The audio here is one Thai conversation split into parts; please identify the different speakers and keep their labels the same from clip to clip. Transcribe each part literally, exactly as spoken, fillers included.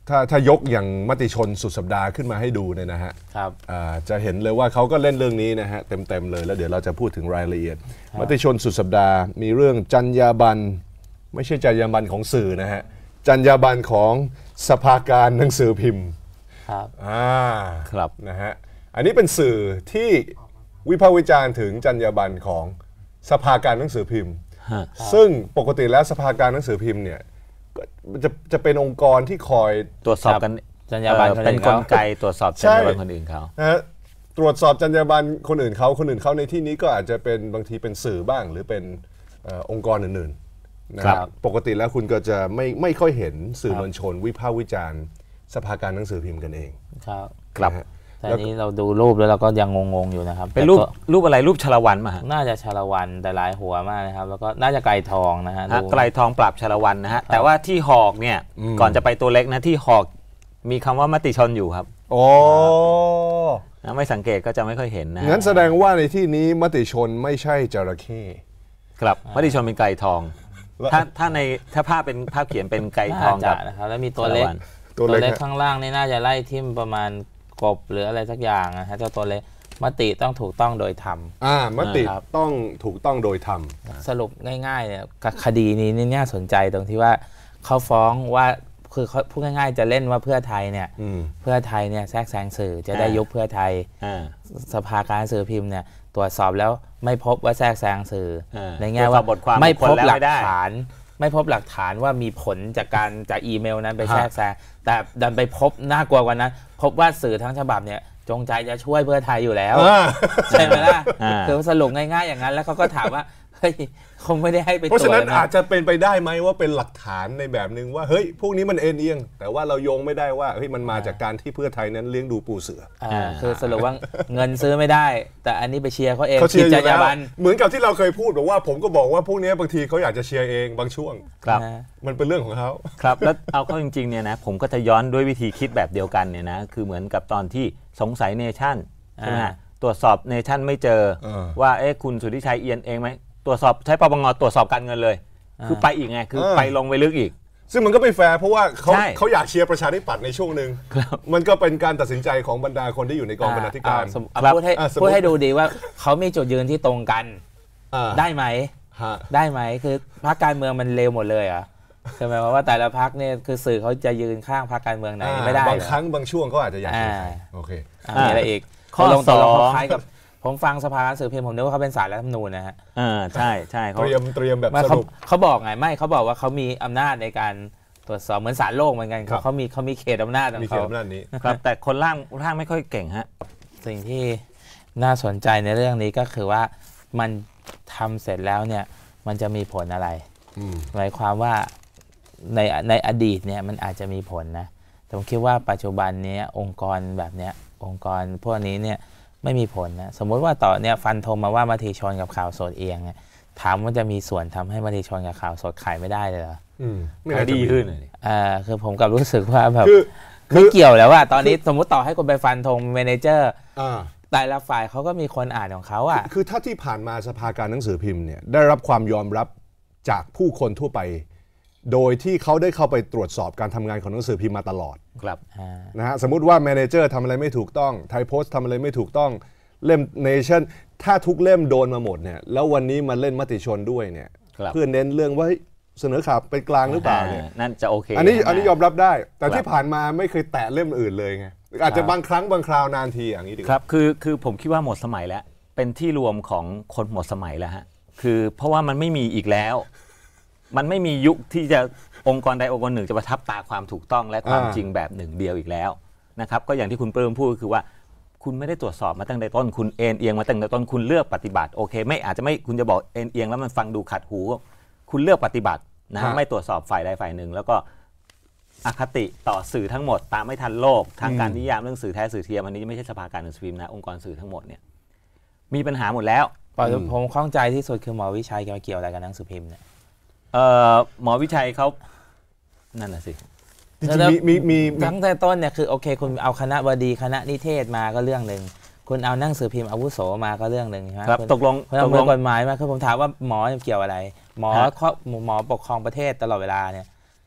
Speaker 1: ถ้าถ้ายกอย่างมติชนสุดสัปดาห์ขึ้นมาให้ดูเนี่ยนะฮะ
Speaker 2: ครับ
Speaker 1: จะเห็นเลยว่าเขาก็เล่นเรื่องนี้นะฮะเต็มๆเลยแล้วเดี๋ยวเราจะพูดถึงรายละเอียดมติชนสุดสัปดาห์มีเรื่องจรรยาบรรณไม่ใช่จรรยาบรรณของสื่อนะฮะจรรยาบรรณของสภาการหนังสือพิมพ์
Speaker 2: ครับ
Speaker 1: อ่า
Speaker 3: ครับ
Speaker 1: นะฮะอันนี้เป็นสื่อที่วิพากษ์วิจารณ์ถึงจรรยาบรรณของสภาการหนังสือพิมพ์ซึ่งปกติแล้วสภาการหนังสือพิมพ์เนี่ยจะจะเป็นองค์กรที่คอย
Speaker 3: ตรวจสอบกัน
Speaker 2: จรรยาบรรณ
Speaker 3: เป็นกลไกตรวจสอบจรรยาบรรณคนอื่นเขา
Speaker 1: นะฮะตรวจสอบจรรยาบรรณคนอื่นเขาคนอื่นเขาในที่นี้ก็อาจจะเป็นบางทีเป็นสื่อบ้างหรือเป็นองค์กรอื่นๆนะครับปกติแล้วคุณก็จะไม่ไม่ค่อยเห็นสื่อมวลชนวิพากษ์วิจารณ์สภาการหนังสือพิมพ์กันเอง
Speaker 2: ครับ
Speaker 3: ครับ
Speaker 2: แต่นี้เราดูรูปแล้วเราก็ยังงงๆอยู่นะครับ
Speaker 3: เป็นรูปรูปอะไรรูปชาละวันมา
Speaker 2: น่าจะชาละวันแต่ลายหัวมากนะครับแล้วก็น่าจะไก่ทองนะฮะ
Speaker 3: ไก่ทองปราบชาละวันนะฮะแต่ว่าที่หอกเนี่ยก่อนจะไปตัวเล็กนะที่หอกมีคำว่ามติชนอยู่ครับ
Speaker 1: โอ้
Speaker 3: ไม่สังเกตก็จะไม่ค่อยเห็นนะ
Speaker 1: งั้นแสดงว่าในที่นี้มติชนไม่ใช่จระเข้
Speaker 3: ครับมติชนเป็นไก่ทองถ้าถ้าในถ้าภาพเป็นภาพเขียนเป็นไก่ทองกับ
Speaker 2: นะครับแล้วมีตัวเล็กตัวเล็กข้างล่างนี่น่าจะไล่ทิ่มประมาณกบหรืออะไรสักอย่างนะฮะเจ้าตัวเล็กมติต้องถูกต้องโดยธรรม
Speaker 1: อ่ามติต้องถูกต้องโดยธรรม
Speaker 2: สรุปง่ายๆเนี่ยคดีนี้นี่น่าสนใจตรงที่ว่าเขาฟ้องว่าคือเขาพูดง่ายๆจะเล่นว่าเพื่อไทยเนี่ยเพื่อไทยเนี่ยแทรกแซงสื่อจะได้ยุบเพื่อไทยสภาการสื่อพิมพ์เนี่ยตรวจสอบแล้วไม่พบว่าแทรกแซงสื่อในแง่ว่าไม่พบหลักฐานไม่พบหลักฐานว่ามีผลจากการจากอีเมลนั้นไปแทรกแซงแต่ดันไปพบน่ากลัวกว่านั้นพบว่าสื่อทั้งฉบับเนี่ยจงใจจะช่วยเพื่อไทยอยู่แล้วใช่ไหมล่ะคือสรุปง่ายๆอย่างนั้นแล้วเขาก็ถามว่าเฮ้ยคงไม่ได้ให้ไปตรวจ
Speaker 1: เพราะฉะนั้นอาจจะเป็นไปได้ไหมว่าเป็นหลักฐานในแบบนึงว่าเฮ้ยพวกนี้มันเอ็นเอียงแต่ว่าเราโยงไม่ได้ว่าเฮ้ยมันมาจากการที่เพื่อไทยนั้นเลี้ยงดูปูเสือ
Speaker 2: คือสรุปว่าเงินซื้อไม่ได้แต่อันนี้ไปเชียร์เขาเอง
Speaker 1: ผิดจรรยาบรรณเหมือนกับที่เราเคยพูดบอกว่าผมก็บอกว่าพวกนี้บางทีเขาอยากจะเชียร์เองบางช่วง
Speaker 3: ครับ
Speaker 1: มันเป็นเรื่องของเขา
Speaker 3: ครับแล้วเอาเข้าจริงๆเนี่ยนะผมก็จะย้อนด้วยวิธีคิดแบบเดียวกันเนี่ยนะคือเหมือนกับตอนที่สงสัยเนชั่นใช่ไหมตรวจสอบเนชั่นไม่เจอว่าเอ๊ะคุณสุทธิชัยเอียนเองไหมตรวจสอบใช้ปปงตรวจสอบการเงินเลยคือไปอีกไงคือไปลงไปลึกอีก
Speaker 1: ซึ่งมันก็ไม่แฟร์เพราะว่าเขาเขาอยากเชียร์ประชาธิปัตย์ในช่วงหนึ่งมันก็เป็นการตัดสินใจของบรรดาคนที่อยู่ในกองบรรณาธิการ
Speaker 2: พูดให้พูดให้ดูดีว่าเขามีจุดยืนที่ตรงกันได้ไหมได้ไหมคือพรรคการเมืองมันเลวหมดเลยอ่ะใช่ไหมเพราะว่าแต่ละพรรคเนี่ยคือสื่อเขาจะยืนข้างพรรคการเมืองไหนไม่ได้
Speaker 1: บางครั้งบางช่วงเขาอาจจะอยากโอเค
Speaker 2: มีอะไรอีกข้อลงตกลงคล้ายกับผมฟังสภาการสื่อพิมพ์ผมนึกว่าเขาเป็นศาลรัฐธรรมนูญนะฮะ
Speaker 3: อ่าใช่ใช่
Speaker 1: เขาเตรียมเตรียมแบบสรุป
Speaker 2: เขาบอกไงไม่เขาบอกว่าเขามีอำนาจในการตรวจสอบเหมือนศาลโลกเหมือนกันเขาเขามีเขามีเขตอำนาจของเขามีเข
Speaker 1: ตอำนาจนี้
Speaker 3: ครับแต่คนร่างร่างไม่ค่อยเก่งฮะ
Speaker 2: สิ่งที่น่าสนใจในเรื่องนี้ก็คือว่ามันทำเสร็จแล้วเนี่ยมันจะมีผลอะไรหมายความว่าในในอดีตเนี่ยมันอาจจะมีผลนะผมคิดว่าปัจจุบันนี้องค์กรแบบเนี้ยองค์กรพวกนี้เนี่ยไม่มีผลนะสมมุติว่าต่อเนี่ยฟันธงมาว่ามติชนกับข่าวสดเองเนี่ยถามว่าจะมีส่วนทำให้มติชนกับข่าวสดขายไม่ได้เลยเหรอ
Speaker 3: ไม่ดีขึ้นเลย
Speaker 2: อ่าคือผมกับรู้สึกว่าแบบไม่เกี่ยวแล้วว่าตอนนี้สมมติต่อให้คนไปฟันธงเมเนเจอร์แต่ละฝ่ายเขาก็มีคนอ่านของเขาอ่ะ
Speaker 1: คือถ้าที่ผ่านมาสภาการหนังสือพิมพ์เนี่ยได้รับความยอมรับจากผู้คนทั่วไปโดยที่เขาได้เข้าไปตรวจสอบการทำงานของหนังสือพิมพ์มาตลอด
Speaker 3: ครับ
Speaker 1: นะฮะสมมุติว่าแมเนเจอร์ทำอะไรไม่ถูกต้องไทยโพสต์ทำอะไรไม่ถูกต้องเล่มเนชั่นถ้าทุกเล่มโดนมาหมดเนี่ยแล้ววันนี้มาเล่นมติชนด้วยเนี่ยเพื่อเน้นเรื่องว่าเสนอข่าวเป็นกลางหรือเปล่าเนี่ย
Speaker 3: นั่นจะโอเค
Speaker 1: อันนี้อันนี้ยอมรับได้แต่ที่ผ่านมาไม่เคยแตะเล่มอื่นเลยไงอาจจะบางครั้งบางคราวนานทีอย่างนี้ดี
Speaker 3: ครับคือคือผมคิดว่าหมดสมัยแล้วเป็นที่รวมของคนหมดสมัยแล้วฮะคือเพราะว่ามันไม่มีอีกแล้วมันไม่มียุคที่จะองค์กรใดองค์กรหนึ่งจะประทับตาความถูกต้องและความจริงแบบหนึ่งเดียวอีกแล้วนะครับก็อย่างที่คุณเปิ้ลพูดคือว่าคุณไม่ได้ตรวจสอบมาตั้งแต่ต้นคุณเอ็นเอียงมาตั้งแต่ต้นคุณเลือกปฏิบัติโอเคไม่อาจจะไม่คุณจะบอกเอ็นเอียงแล้วมันฟังดูขัดหูคุณเลือกปฏิบัตินะไม่ตรวจสอบฝ่ายใดฝ่ายหนึ่งแล้วก็อคติต่อสื่อทั้งหมดตามไม่ทันโลกทางการนิยามเรื่องสื่อแท้สื่อเทียมอันนี้ไม่ใช่สภาการหนังสือพิมพ์นะองค์กรสื่อทั้งหมดเนี่ยมีปัญหาหมดแล้ว
Speaker 2: ผมข้องใจที่สุดคือหมอวิชัยเกี่ยวอะไรกับหนังสือพิมพ์เนี่ย
Speaker 3: หมอวิชัยเขานั่นน่ะสิ
Speaker 1: มีมีมี
Speaker 2: ทั้งแต่ต้นเนี่ยคือโอเคคุณเอาคณะบดีคณะนิเทศมาก็เรื่องหนึ่งคุณเอาหนังสือพิมพ์อาวุโสมาก็เรื่องหนึ่งใช่ไหม
Speaker 3: ครับตกลง
Speaker 2: ตกลงกฎหมายมาคือผมถามว่าหมอเกี่ยวอะไรหมอหมอปกครองประเทศตลอดเวลาเนี่ย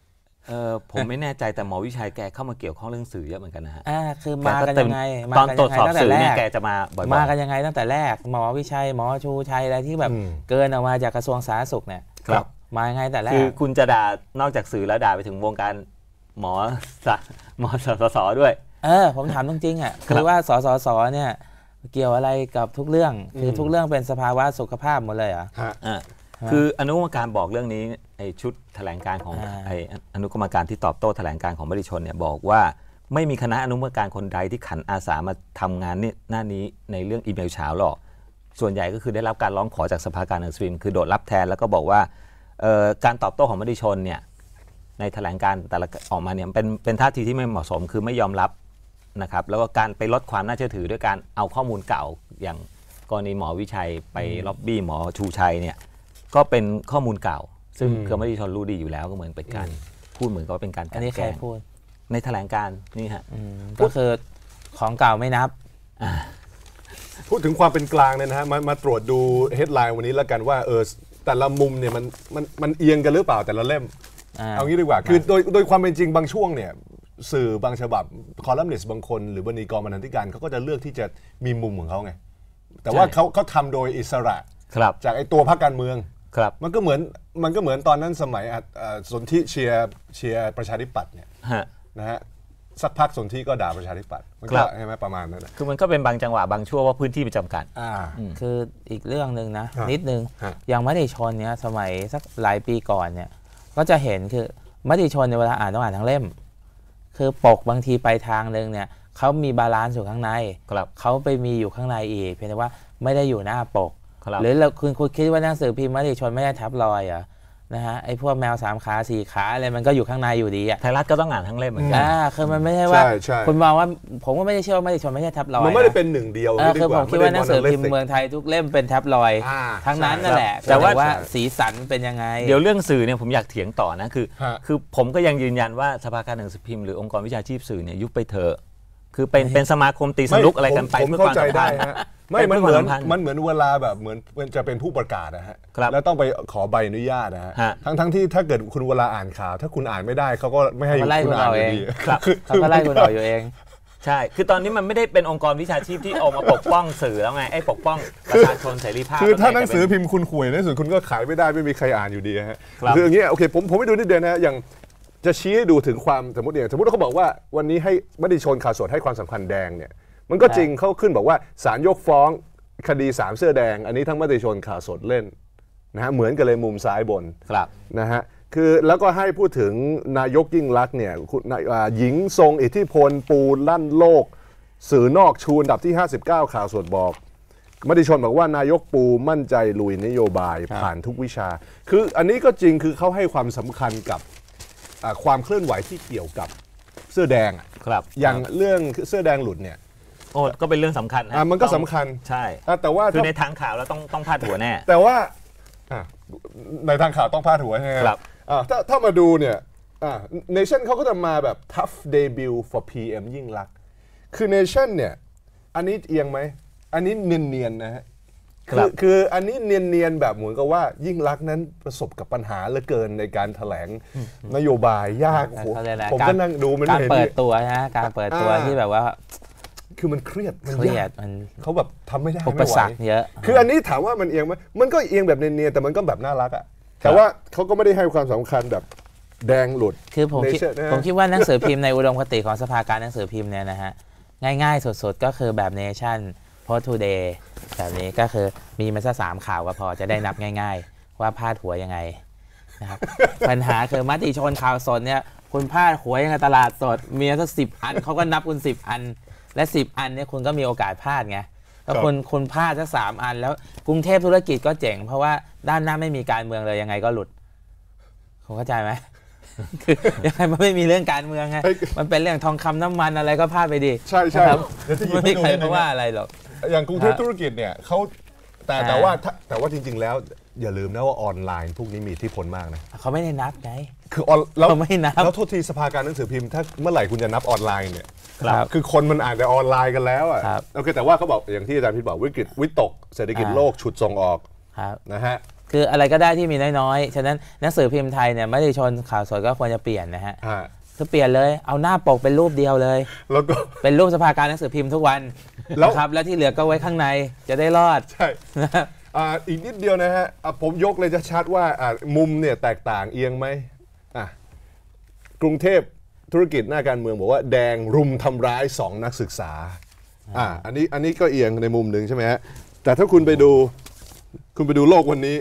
Speaker 3: เออผมไม่แน่ใจแต่หมอวิชัยแกเข้ามาเกี่ยวข้องเรื่องสื่อเยอะเหมือนกันนะฮะ
Speaker 2: อ่าคือมากันยังไง
Speaker 3: ตอนตรวจสอบสื่อเนี่ยแกจะมาบ่อยๆ
Speaker 2: มากันยังไงตั้งแต่แรกหมอวิชัยหมอชูชัยอะไรที่แบบเกินออกมาจากกระทรวงสาธารณสุขเนี่ยมายังไงแต่แรก
Speaker 3: คือคุณจะด่านอกจากสื่อแล้วด่าไปถึงวงการหมอหมอสสด้วย
Speaker 2: เออผมถามจริงๆอ่ะคือว่าสสสเนี่ยเกี่ยวอะไรกับทุกเรื่องคือทุกเรื่องเป็นสภาวะสุขภาพหมดเลยเหรอ
Speaker 3: คืออนุกรรมการบอกเรื่องนี้ไอ้ชุดแถลงการของไอ้อนุกรรมการที่ตอบโต้แถลงการของมติชนเนี่ยบอกว่าไม่มีคณะอนุกรรมการคนใดที่ขันอาสามาทำงานนี่หน้านี้ในเรื่องอีเมลเช้าหรอกส่วนใหญ่ก็คือได้รับการร้องขอจากสภาการหนังสือพิมพ์คือโดดรับแทนแล้วก็บอกว่าการตอบโต้ของมติชนเนี่ยในแถลงการแต่ละออกมาเนี่ยเป็นเป็นท่าทีที่ไม่เหมาะสมคือไม่ยอมรับนะครับแล้วก็การไปลดความน่าเชื่อถือด้วยการเอาข้อมูลเก่าอย่างกรณีหมอวิชัยไปล็อบบี้หมอชูชัยเนี่ยก็เป็นข้อมูลเก่าซึ่งเครือมติชนรู้ดีอยู่แล้วก็เหมือนเป็นการพูดเหมือนกับเป็นการ
Speaker 2: อันนี้ใครพูด
Speaker 3: ในแถลงการนี่ฮะ
Speaker 2: ก็คือของเก่าไม่นับ
Speaker 1: พูดถึงความเป็นกลางเนี่ยนะฮะมามาตรวจดูเฮดไลน์วันนี้แล้วกันว่าเออแต่ละมุมเนี่ยมันมันมันเอียงกันหรือเปล่าแต่ละเล่มเอางี้ดีกว่าคือโดยโดยความเป็นจริงบางช่วงเนี่ยสื่อบางฉบับคอลัมนิสต์บางคนหรือบรรณาธิการบรรณาธิการเขาก็จะเลือกที่จะมีมุมของเขาไงแต่ว่าเขาเขาทำโดยอิสระจากไอ้ตัวพรรคการเมืองมันก็เหมือนมันก็เหมือนตอนนั้นสมัยสนธิเชียร์เชียร์ประชาธิปัตย์เนี่ยนะฮะสักพักสนธิก็ด่าประชาธิปัตย์มันก็ใช่ไหมประมาณนั้น
Speaker 3: คือมันก็เป็นบางจังหวะบางช่วงว่าพื้นที่เป็นจำกัด
Speaker 2: คืออีกเรื่องหนึ่งนะนิดนึงอย่างมติชนเนี่ยสมัยสักหลายปีก่อนเนี่ยก็จะเห็นคือมติชนในเวลาอ่านต้องอ่านทั้งเล่มคือปกบางทีไปทางนึงเนี่ยเขามีบาลานซ์อยู่ข้างในเขาไปมีอยู่ข้างในอีกเพียงแต่ว่าไม่ได้อยู่หน้าปกหรือเราคุณคุณคิดว่าหนังสือพิมพ์มติชนไม่ได้ทับรอยอ่ะนะฮะไอ้พวกแมวสามขาสี่ขาอะไรมันก็อยู่ข้างในอยู่ดีอ่ะ
Speaker 3: ไทยรัฐก็ต้องอ่านทั้งเล่มเหมือนกัน
Speaker 2: อ่าคือมันไม่ใช่ว่าคุณมองว่าผมก็ไม่ได้เชื่อว่ามติชนไม่ใช่ทับรอย
Speaker 1: มันไม่ได้เป็นหนึ่งเดียว
Speaker 2: คือผมคิดว่าหนังสือพิมพ์เมืองไทยทุกเล่มเป็นทับรอยทั้งนั้นนั่นแหละแต่ว่าสีสันเป็นยังไง
Speaker 3: เดี๋ยวเรื่องสื่อเนี่ยผมอยากเถียงต่อนะคือคือผมก็ยังยืนยันว่าสภาการหนังสือพิมพ์หรือองค์กรวิชาชีพสื่อเนี่ยยุบไปเถอะคือเป็นเป็นสมาคมตีสนุกอะไรกันไป
Speaker 1: เพื่อความสัมพันธ์ไม่มันเหมือนมันเหมือนเวลาแบบเหมือนจะเป็นผู้ประกาศนะฮะแล้วต้องไปขอใบอนุญาตนะฮะทั้งทั้งที่ถ้าเกิดคุณเวลาอ่านข่าวถ้าคุณอ่านไม่ได้เขาก็ไม่ให้
Speaker 2: คุณอ่านอยู่ดีเขาก็ไล่คุณออกอยู่เอง
Speaker 3: ใช่คือตอนนี้มันไม่ได้เป็นองค์กรวิชาชีพที่ออกมาปกป้องสื่อแล้วไงไอ้ปกป้องประชาชนเสรีภาพ
Speaker 1: คือถ้าหนังสือพิมพ์คุณข่วยในสุดคุณก็ขายไม่ได้ไม่มีใครอ่านอยู่ดีฮะคืออย่างเงี้ยโอเคผมผมไม่ดูนิดเดียวนะอย่างจะชี้ให้ดูถึงความสมมติอย่างสมมติเขาบอกว่าวันนี้ให้มติชนข่าวสดให้ความสำคัญแดงเนี่ยมันก็จริงเขาขึ้นบอกว่าศาลยกฟ้องคดีสามเสื้อแดงอันนี้ทั้งมติชนข่าวสดเล่นนะฮะเหมือนกันเลยมุมซ้ายบนนะฮะคือแล้วก็ให้พูดถึงนายกยิ่งลักษณ์เนี่ยหญิงทรงอิทธิพลปูลั่นโลกสื่อนอกชูอันดับที่ห้าสิบเก้าข่าวสดบอกมติชนบอกว่านายกปูมั่นใจลุยนโยบายผ่านทุกวิชาคืออันนี้ก็จริงคือเขาให้ความสำคัญกับความเคลื่อนไหวที่เกี่ยวกับเสื้อแดง
Speaker 3: ครับ
Speaker 1: อย่างเรื่องเสื้อแดงหลุดเนี่ย
Speaker 3: โอ้ก็เป็นเรื่องสำคัญ
Speaker 1: อ่ะมันก็สำคัญ
Speaker 3: ใช่
Speaker 1: แต่ว่า
Speaker 3: คือในทางข่าวแล้วต้องต้องพาดหัวแน่
Speaker 1: แต่ว่าในทางข่าวต้องพาดหัวใช่ไหมครับถ้าถ้ามาดูเนี่ยเนชั่นเขาก็จะมาแบบ tough debut for พี เอ็ม ยิ่งลักษณ์คือเนชั่นเนี่ยอันนี้เอียงไหมอันนี้เนียนๆนะฮะคือคืออันนี้เนียนๆแบบเหมือนกับว่ายิ่งลักษณ์นั้นประสบกับปัญหาเหลือเกินในการแถลงนโยบายยากผมก็นั่งดูมัน
Speaker 2: การเปิดตัวนะการเปิดตัวที่แบบว่า
Speaker 1: คือมันเครียดมัน
Speaker 2: เครียดมัน
Speaker 1: เขาแบบทำไม่ได้
Speaker 2: ไม่ไหวเยอะ
Speaker 1: คืออันนี้ถามว่ามันเอียงไหมมันก็เอียงแบบเนียนๆแต่มันก็แบบน่ารักอ่ะแต่ว่าเขาก็ไม่ได้ให้ความสำคัญแบบแดงหลุด
Speaker 2: คือผมคิดผมคิดว่าหนังสือพิมพ์ในอุดมคติของสภาการหนังสือพิมพ์เนี่ยนะฮะง่ายๆสุดๆก็คือแบบเนชั่นโพสต์ทูเดย์แบบนี้ก็คือมีมาสักสามข่าวก็พอจะได้นับง่ายๆว่าพาดหัวยังไงนะครับปัญหาคือมติชนข่าวสดเนี่ยคุณพาดหัวยังไงตลาดสดมีสักสิบอันเขาก็นับคุณสิบอันและสิบอันเนี่ยคุณก็มีโอกาสพลาดไงแล้วคุณคุณพลาดสักสามอันแล้วกรุงเทพธุรกิจก็เจ๋งเพราะว่าด้านหน้าไม่มีการเมืองเลยยังไงก็หลุดคุณเข้าใจไหมคือยังไงมันไม่มีเรื่องการเมืองไงมันเป็นเรื่องทองคำน้ำมันอะไรก็พลาดไปดิ
Speaker 1: ใช่ใช่
Speaker 2: ไม่มีใครมาว่าอะไรหรอก
Speaker 1: อย่างกรุงเทพธุรกิจเนี่ยเขาแต่แต่ว่าแต่ว่าจริงๆแล้วอย่าลืมนะว่าออนไลน์พวกนี้มีอิทธิพลมากนะ
Speaker 2: เขาไม่ได้นับไง
Speaker 1: คือออนแล้ว
Speaker 2: ไม่นับ
Speaker 1: แล้วโทษทีสภาการหนังสือพิมพ์ถ้าเมื่อไหร่คุณจะนับออนไลน์เนี่ยคือคนมันอ่านแต่ออนไลน์กันแล้วอ่ะโอเคแต่ว่าเขาบอกอย่างที่อาจารย์พิษบอกวิกฤตวิตกเศรษฐกิจโลกฉุดส่งออกนะฮะ
Speaker 2: คืออะไรก็ได้ที่มีน้อยๆฉะนั้นหนังสือพิมพ์ไทยเนี่ยไม่ได้ชนข่าวสดก็ควรจะเปลี่ยนนะฮะคือเปลี่ยนเลยเอาหน้าปกเป็นรูปเดียวเลย
Speaker 1: แล้วก็
Speaker 2: เป็นรูปสภาการหนังสือพิมพ์ทุกวันนะครับแล้วที่เหลือก็ไว้ข้างในจะได้รอด
Speaker 1: ใช่อ่าอีกนิดเดียวนะฮะผมยกเลยจะชัดว่ามุมเนี่ยแตกต่างเอียงไหมอ่ะกรุงเทพธุรกิจหน้าการเมืองบอกว่าแดงรุมทำร้ายสองนักศึกษาอ่าอันนี้อันนี้ก็เอียงในมุมหนึ่งใช่ไหมฮะแต่ถ้าคุณไปดูคุณไปดูโลกวันนี้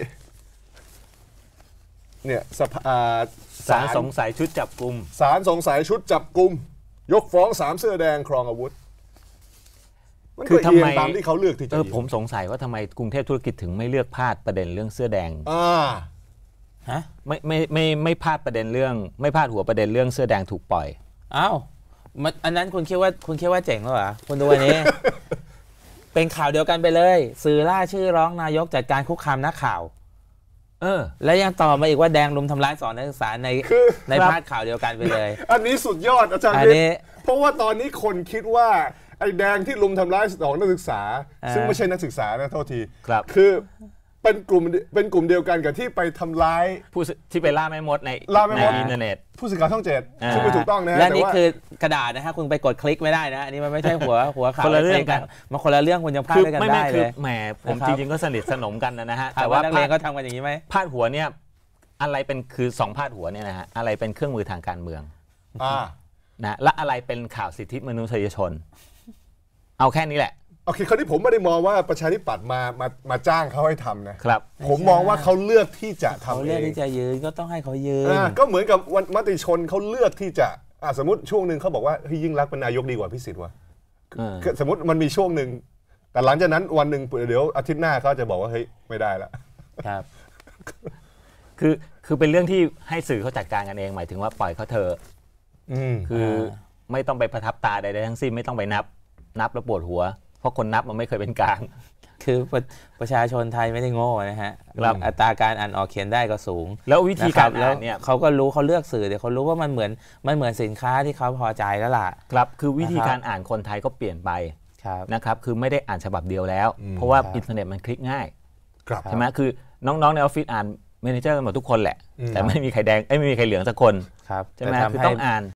Speaker 1: เนี่ยสภา
Speaker 3: ศาลสงสัยชุดจับกุม
Speaker 1: ศาลสงสัยชุดจับกุมยกฟ้องสามเสื้อแดงครองอาวุธมันก็เอียงตามที่เขาเลือกที่จะ
Speaker 3: เออผมสงสัยว่าทำไมกรุงเทพธุรกิจถึงไม่เลือกพาดประเด็นเรื่องเสื้อแดง
Speaker 1: อ่า
Speaker 2: ฮะ
Speaker 3: ไม่ไม่ไม่ไม่พาดประเด็นเรื่องไม่พาดหัวประเด็นเรื่องเสื้อแดงถูกปล่อย
Speaker 2: อ้าวมันอันนั้นคุณคิดว่าคุณคิดว่าเจ๋งหรอคุณดูอันนี้ เป็นข่าวเดียวกันไปเลยสื่อล่าชื่อร้องนายกจัดการคุกคามนักข่าวเออแล้วยังต่อมาอีกว่าแดงรุมทำร้ายสอนนักศึกษาในในพาดข่าวเดียวกันไปเลย
Speaker 1: อันนี้สุดยอดอาจารย์เพราะว่าตอนนี้คนคิดว่าไอ้แดงที่รุมทำร้ายสองนักศึกษาซึ่งไม่ใช่นักศึกษานะโทษที
Speaker 3: ครับ
Speaker 1: คือเป็นกลุ่มเป็นกลุ่มเดียวกันกับที่ไปทำร้าย
Speaker 3: ผู้ที่ไปล่าแม่มดในในอินเทอร์เน็ต
Speaker 1: ผู้สื่อข่าวช่องเจ็ดซึ่งไม่ถูกต้องนะฮะ
Speaker 2: และนี่คือกระดาษนะฮะคุณไปกดคลิกไม่ได้นะอันนี้มันไม่ใช่หัวหัวข่าว
Speaker 3: คนละเรื่องกัน
Speaker 2: มันคนละเรื่องคุณยังพลาดด้วยกันได้เลย
Speaker 3: แหมผมจริงๆก็สนิทสนมกันนะฮะ
Speaker 2: แต่ว่านักเรียนก็ทำกันอย่างนี้ไหม
Speaker 3: พาดหัวเนี่ยอะไรเป็นคือสองพาดหัวเนี่ยนะฮะอะไรเป็นเครื่องมือทางการเมืองนะและอะไรเป็นข่าวสิทธิมนุษยชนเอาแค่นี้แหละ
Speaker 1: โอเคคราวนี้ผมไม่ได้มองว่าประชาธิปัตย์มามามาจ้างเขาให้ทำนะครับผมมองว่าเขาเลือกที่จะทำเองเขา
Speaker 2: เลือกที่จะยืนก็ต้องให้เขายืน
Speaker 1: ก็เหมือนกับวันมติชนเขาเลือกที่จะสมมติช่วงหนึ่งเขาบอกว่าเฮ้ยยิ่งรักษณ์เป็นนายกดีกว่าพิสิทธิ์ว่ะสมมติมันมีช่วงหนึ่งแต่หลังจากนั้นวันหนึ่งเดี๋ยวอาทิตย์หน้าเขาจะบอกว่าเฮ้ยไม่ได้ละ
Speaker 2: ครับ
Speaker 3: คือคือเป็นเรื่องที่ให้สื่อเขาจัดการกันเองหมายถึงว่าปล่อยเขาเถอะคือไม่ต้องไปประทับตาใดๆทั้งสิ้นไม่ต้องไปนับนับแล้วปวดหัวเพราะคนนับมันไม่เคยเป็นกลาง
Speaker 2: คือประชาชนไทยไม่ได้โง่นะฮะอัตราการอ่านออกเขียนได้ก็สูง
Speaker 3: แล้ววิธีการอ่านเนี่ย
Speaker 2: เขาก็รู้เขาเลือกสื่อเดี๋ยวเขารู้ว่ามันเหมือนมันเหมือนสินค้าที่เขาพอใจแล้วล่ะ
Speaker 3: ครับคือวิธีการอ่านคนไทยก็เปลี่ยนไปนะครับคือไม่ได้อ่านฉบับเดียวแล้วเพราะว่าอินเทอร์เน็ตมันคลิกง่ายใช่ไหมคือน้องๆในออฟฟิศอ่านเมเนเจอร์กันหมดทุกคนแหละแต่ไม่มีใครแดงไม่มีใครเหลืองสักคนใช่ไหมคือต้องอ่าน